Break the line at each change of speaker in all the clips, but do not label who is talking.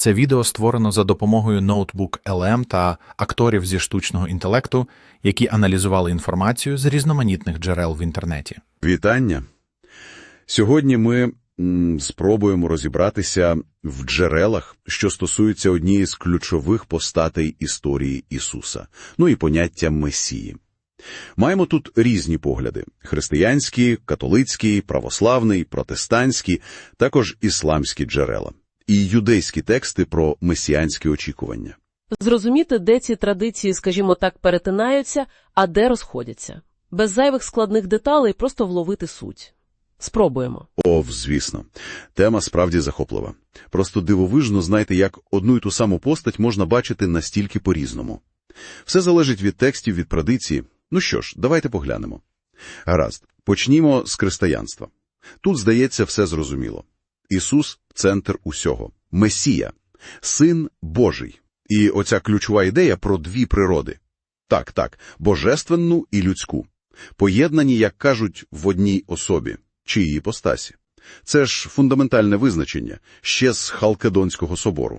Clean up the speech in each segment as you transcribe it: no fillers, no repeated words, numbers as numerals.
Це відео створено за допомогою Notebook LM та акторів зі штучного інтелекту, які аналізували інформацію з різноманітних джерел в інтернеті.
Вітання! Сьогодні ми спробуємо розібратися в джерелах, що стосуються однієї з ключових постатей історії Ісуса, і поняття Месії. Маємо тут різні погляди – християнські, католицькі, православний, протестантські, також ісламські джерела. І юдейські тексти про месіанські очікування.
Зрозуміти, де ці традиції, скажімо так, перетинаються, а де розходяться. Без зайвих складних деталей просто вловити суть. Спробуємо.
Звісно. Тема справді захоплива. Просто дивовижно, знаєте, як одну і ту саму постать можна бачити настільки по-різному. Все залежить від текстів, від традиції. Що ж, давайте поглянемо. Гаразд, почнімо з християнства. Тут, здається, все зрозуміло. Ісус – центр усього. Месія – Син Божий. І оця ключова ідея про дві природи. Так, божественну і людську. Поєднані, як кажуть, в одній особі, чи її іпостасі. Це ж фундаментальне визначення, ще з Халкедонського собору,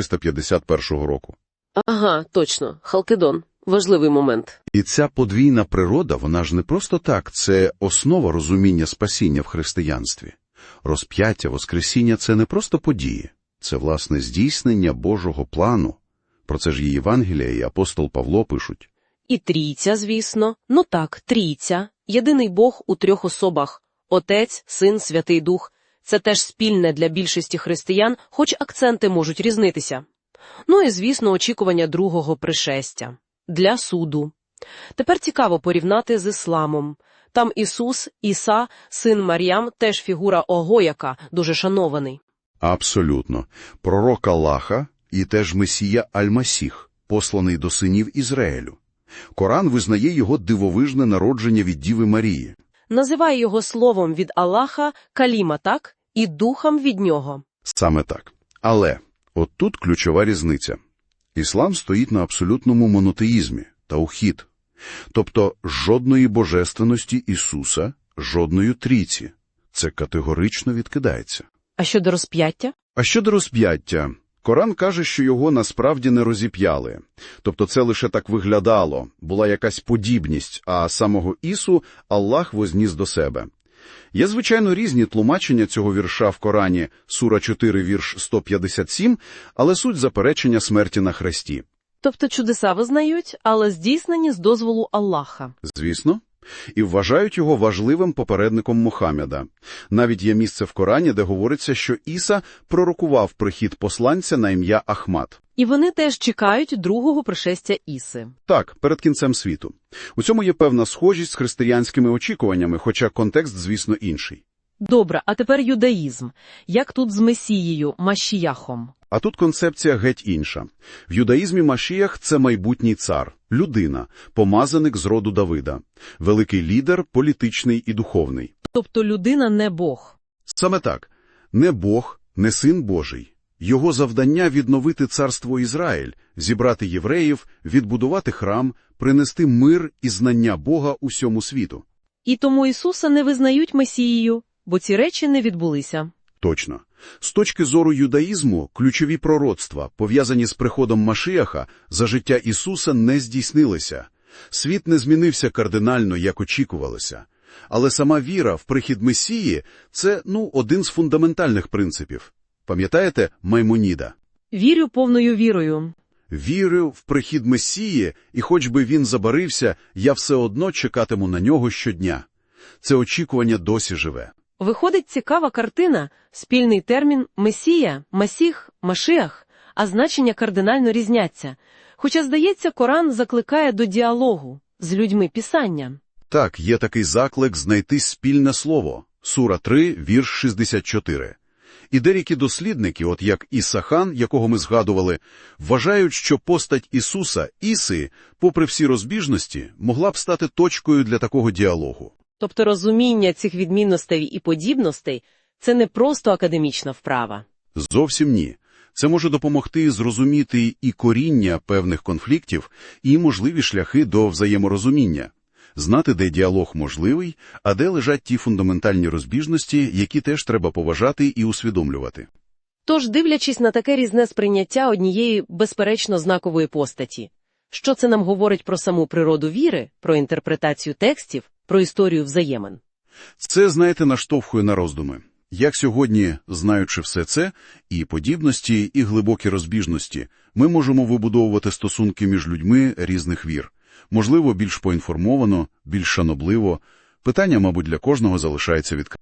451 року.
Ага, точно, Халкедон. Важливий момент.
І ця подвійна природа, вона ж не просто так, це основа розуміння спасіння в християнстві. Розп'яття, воскресіння – це не просто події, це, власне, здійснення Божого плану. Про це ж і Євангелія, і апостол Павло пишуть.
І трійця, звісно. Трійця. Єдиний Бог у трьох особах – Отець, Син, Святий Дух. Це теж спільне для більшості християн, хоч акценти можуть різнитися. І, звісно, очікування другого пришестя. Для суду. Тепер цікаво порівняти з ісламом. Там Ісус, Іса, син Мар'ям, теж фігура Огояка, дуже шанований.
Абсолютно. Пророк Аллаха і теж Месія Аль-Масіх, посланий до синів Ізраїлю. Коран визнає його дивовижне народження від Діви Марії.
Називає його словом від Аллаха Каліма, так? І духом від нього.
Саме так. Але от тут ключова різниця. Іслам стоїть на абсолютному монотеїзмі, таухід. Тобто жодної божественності Ісуса, жодної трійці. Це категорично відкидається.
А щодо розп'яття?
Коран каже, що його насправді не розіп'яли. Тобто це лише так виглядало, була якась подібність, а самого Ісу Аллах возніс до себе. Є, звичайно, різні тлумачення цього вірша в Корані, сура 4, вірш 157, але суть заперечення смерті на хресті.
Тобто чудеса визнають, але здійснені з дозволу Аллаха.
Звісно. І вважають його важливим попередником Мухаммеда. Навіть є місце в Корані, де говориться, що Іса пророкував прихід посланця на ім'я Ахмад.
І вони теж чекають другого пришестя Іси.
Так, перед кінцем світу. У цьому є певна схожість з християнськими очікуваннями, хоча контекст, звісно, інший.
Добре, а тепер юдаїзм. Як тут з Месією, Машіяхом?
А тут концепція геть інша. В юдаїзмі Машіях – це майбутній цар, людина, помазаник з роду Давида, великий лідер, політичний і духовний.
Тобто людина не Бог.
Саме так. Не Бог, не Син Божий. Його завдання – відновити царство Ізраїль, зібрати євреїв, відбудувати храм, принести мир і знання Бога усьому світу.
І тому Ісуса не визнають Месією, бо ці речі не відбулися.
Точно. З точки зору юдаїзму, ключові пророцтва, пов'язані з приходом Машіаха, за життя Ісуса не здійснилися. Світ не змінився кардинально, як очікувалося. Але сама віра в прихід Месії – це, один з фундаментальних принципів. Пам'ятаєте Маймоніда?
Вірю повною вірою.
Вірю в прихід Месії, і хоч би він забарився, я все одно чекатиму на нього щодня. Це очікування досі живе.
Виходить цікава картина, спільний термін «месія», «масіх», «машіах», а значення кардинально різняться. Хоча, здається, Коран закликає до діалогу з людьми Писання.
Так, є такий заклик знайти спільне слово. Сура 3, вірш 64. І деякі дослідники, от як Ісахан, якого ми згадували, вважають, що постать Ісуса, Іси, попри всі розбіжності, могла б стати точкою для такого діалогу.
Тобто розуміння цих відмінностей і подібностей – це не просто академічна вправа.
Зовсім ні. Це може допомогти зрозуміти і коріння певних конфліктів, і можливі шляхи до взаєморозуміння. Знати, де діалог можливий, а де лежать ті фундаментальні розбіжності, які теж треба поважати і усвідомлювати.
Тож, дивлячись на таке різне сприйняття однієї, безперечно, знакової постаті, що це нам говорить про саму природу віри, про інтерпретацію текстів, про історію взаємин?
Це, знаєте, наштовхує на роздуми. Як сьогодні, знаючи все це, і подібності, і глибокі розбіжності, ми можемо вибудовувати стосунки між людьми різних вір. Можливо, більш поінформовано, більш шанобливо. Питання, мабуть, для кожного залишається відкритим.